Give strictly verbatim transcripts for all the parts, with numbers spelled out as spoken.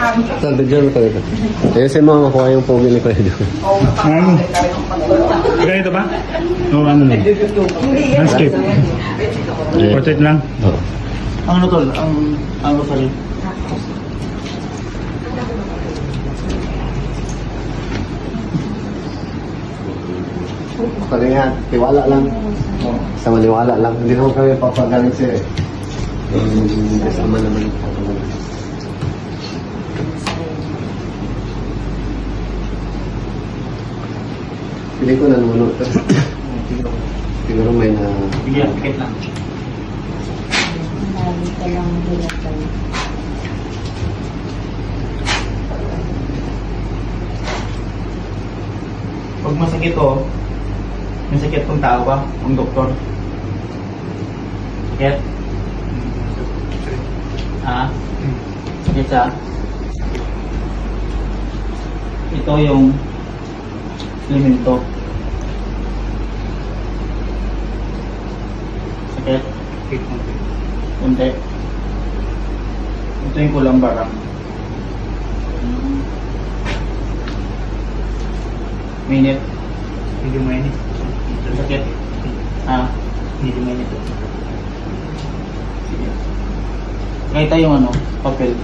Sa video mo talaga. Ayun si mga makuha yung pogi ni Kuya John. Ano? Ganito ba? O ano lang? Landscape. Portrait lang. Oo. Ang ano tol? Ang ano sa rin? Kalingan, tiwala lang. Sa maniwala lang. Hindi naman kami papagaling siya eh. Um, kasama naman. Pili ko nanonood. Siguro may na... Bigyan, tikit lang. Marami ka lang hilatan. Pag masakit o, may sakit kung tao ba? Ang doktor. Sakit? Ha? Sakit siya? Ito yung elemento. Sakit? Kunti. Ito yung kulang barang. Minute. Hindi mainit. Sakit? Ha? Hindi mainit. Sige. Kahit yung ano, papel.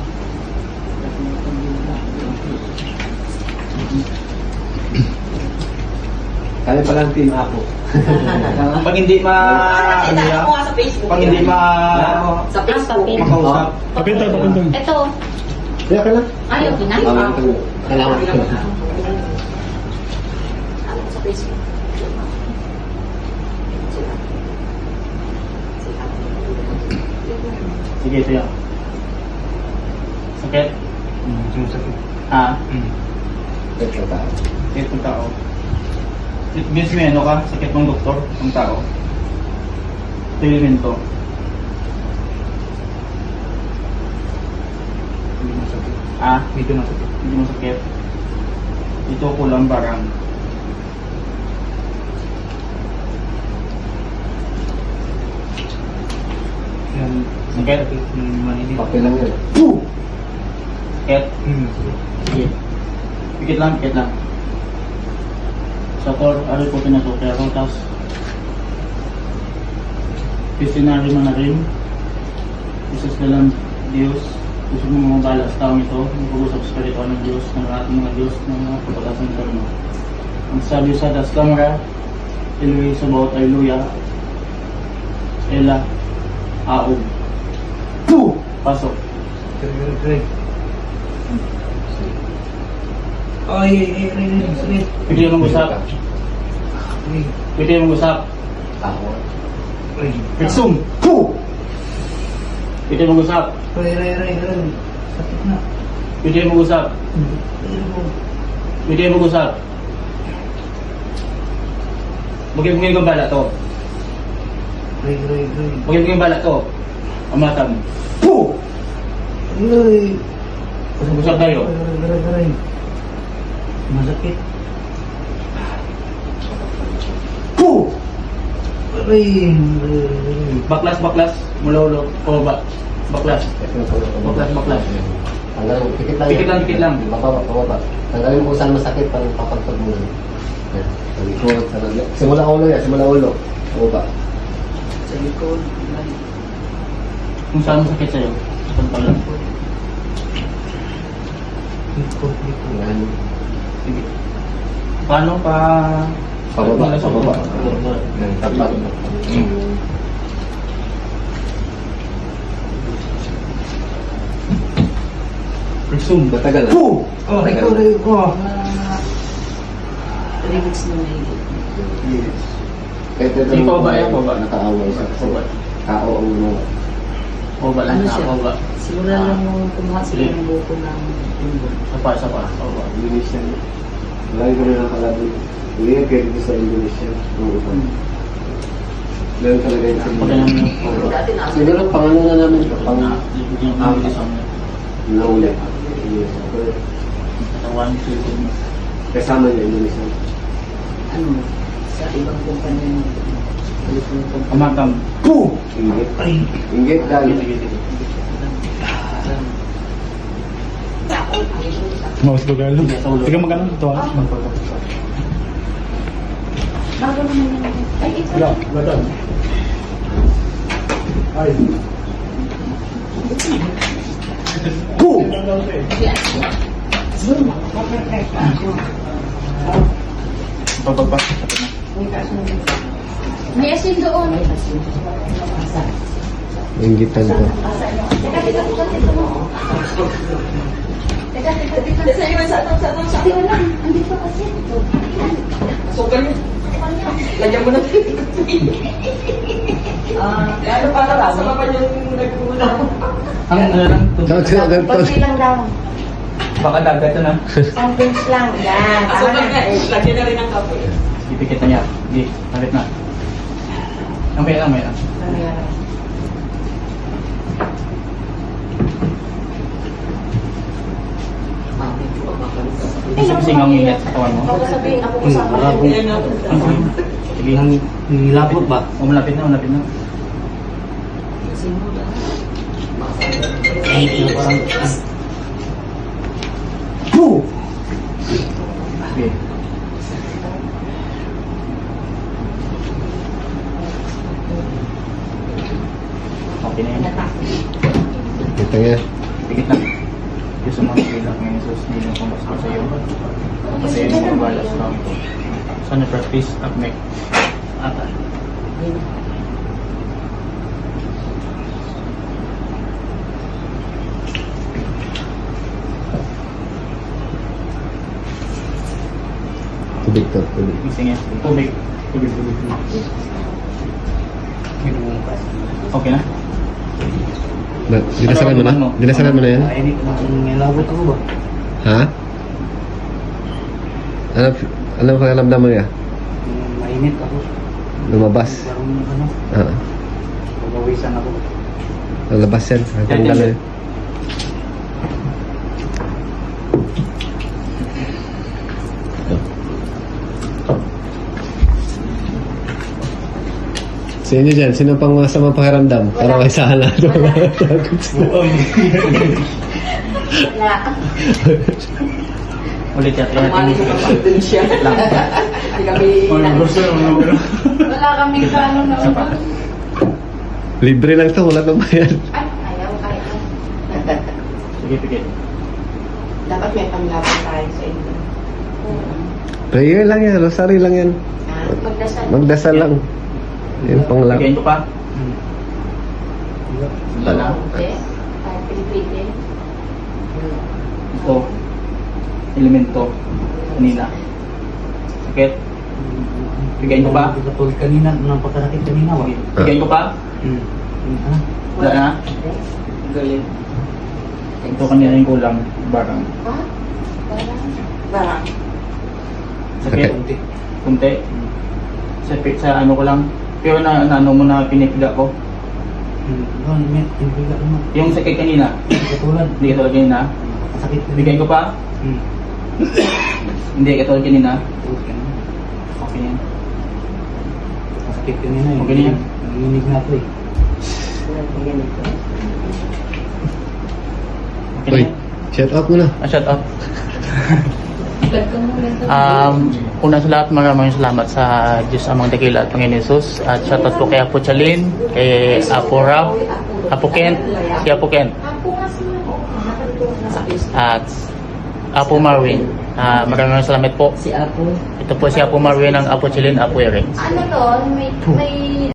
Kaya palang team ako. Pag hindi ma... ano yan? Ako nga sa Facebook. Pag hindi ma... Sa Facebook. papel. makausap. Papel tayo, papel tayo. Ito. Kaya ka lang. Ayaw, Ah, pinay. Kailangan ko. Ano sa Facebook? Sige, ito yan. Sakit? Hmm, sakit. Ha? Hmm. Ito tao. Sakit ng tao. It means may ano ka? Sakit ng doktor? Ng tao? Ito yung elemento. Hindi masakit. Ha? Hindi masakit. Hindi masakit. Ito kulang barang. Yan. Sakit? Papel lang yun. Sakit? Sige. Pikit lang, pikit lang. Sa tor, ari po pinatutero, tapos Pistinari mo na rin. Isus na lang Diyos. Gusto mo mga bala sa taong ito. Mag-usap sa kalito ng Diyos, ng ating mga Diyos, ng mga kapatasan ng mo. Ang sabi sa das kamera, Eloy sa bawat Alleluia, Ela, Aog. Puh! Pasok. Ay, ay, ay, ay, ay, Pwede yung mag-usap. Pwede yung mag-usap. Tao. ay, Exum! Puh! Pwede yung mag-usap. ay, ay, ay, ay, sakit na. Pwede yung mag-usap. Pwede yung mag-usap. Bagay-bagay kong bala to. Ay, ay, ay, Bagay-bagay kong bala to. Amatang. Puh! ay, Usap tayo. ay, ay, ay, masakit. Puh! Ay, ay, ay, Baklas, baklas. Mula-ulo. Pababa. Baklas. Baklas, baklas. Tanggalin mo. Pikit lang. Pikit lang, pikit lang. Bababa, bababa. Tanggalin mo kung saan masakit para papagpag mo. Yan. Sa likod, sa likod. Simula ulo yan, simula ulo. Bababa. sa likod. Ay, Kung saan mo sakit sa'yo? Saan pala? likod, likod. Yan. Sige. Paano pa... Pababa, Wala sa pababa. baba. Yan, tapat. Resume. Matagal. Puh! Oh, ikaw, ay, oh. Three weeks na may Kahit ito Di pa ba yan? Pa ba? nakaaway sa Pababa. tao ang mga Pababa lang Ano siya. siya? Pababa. Simula lang nung kumuha sila ng buko ng linggo. Sapa, sapa. Pababa. Indonesia. Lagi ko rin nakakalabi. Hindi yan kaya dito sa Indonesia. Nung iba. Ganun talaga yung Pag siguro. alam mo. Oo. Dati na. Siguro pangano na namin. Pang Pang... Yung mga sa mga. nauli. Katawan, susunod mo. Kasama niya Indonesia. Ano? Sa ibang kumpanya ng telephone company. Amatang. Puh! Inggit. Ay, Inggit dahil. Sige, sige, sige. Mouse ko galo. Sige, sa ulo. Sige magkano ito ah. Bago naman yun. Ay, ito. Wala, wala. Ay. Go! Pagpagpag. May asin doon. Inggitan ko. Teka, teka, teka, teka mo. Teka, teka, teka. Sa iyo, sa tong, sa tong, sa tong. lang. Andito kasi. Sukal mo. Lagyan mo na. Ah, ano para lang? Sama pa yung nagkulang. Ang ano lang, Dapat sila agad to. Konti lang daw. baka dagat ito na. Ang pinch lang. Yan. Aso Tama pa na. nga, lagyan na rin ang kape. Ipikit na niya. Hindi, talit na. Mamaya lang, mamaya lang. Sing ang ingat sa kawan mo. Baka sabihin ako kasama. Ayan na. Sige, Nilapot ba? O, malapit na, malapit na. Go! Sige. Okay na yan. Ito nga. Pigit na. Diyos sa mga bilang ng Jesus, nilang pumasok sa iyo. Kasi yung mga balas lang ito. Sana practice at make. Ata. Tubig to, tubig. Gising yan. Tubig. Tubig, tubig, tubig. Okay na? Na, dinasalan mo na? Ano? Dinasalan mo na yan? Ay, nilapot ako ba? Ha? Ano, ano ang pakiramdam mo niya? Mainit ako. Lumabas. Parang ano, Ah, pagawisan ako. lalabas yan. Tanggal na yan. Sa inyo dyan, sino pang masamang pakiramdam? Para may sahan na ito. Wala. Ulit yan. Kumali ko naman dun siya. Hindi kami... Wala kaming paano na. Isa pa. Libre lang to, wala nang bayan. Ay, ayaw, kaya. Sige, pigit. Dapat may panglaban tayo sa inyo. Prayer lang yan, rosary lang yan. Ah, magdasal. Magdasal lang. Yung panglang. Pigayin ko pa. Wala na. Hindi. Ay, Pilipili. Ito. Elemento. Kanina. Sakit. Pigayin ko pa. Katulad kanina, nang pagkakit kanina, wag. Pigayin ko pa. Hmm. Ah, Wala na. Galing. Ito kanina yung kulang. Barang. Ha? Parang. Barang. Sakit. konti. Kunti. Sa, sa ano ko lang. Pero na, na ano mo na pinipiga ko. Hmm. Doon, may timpiga naman. Yung sakit kanina. Katulad. Hindi katulad kanina. Sakit kanina. Pigayin ko pa. Hmm. Hindi katulad kanina. Katulad kanina. Okay yan. Sakit kanina eh. Okay na yan. Nanginig na ako eh. Okay Uy, na yan. shut up mo na. Ah, shut up. Um, una sa lahat, maraming salamat sa Diyos Amang Dakila at Panginoon Jesus. At shoutout po kay Apo Chalin, kay Apo Rap, Apo Kent, si Apo Kent, Ako nga sila. at Apo Marvin. Ah, maraming salamat po. Si Apo. Ito po si Apo Marvin ng Apo Chalin, Apo Eric. Ano to? May, may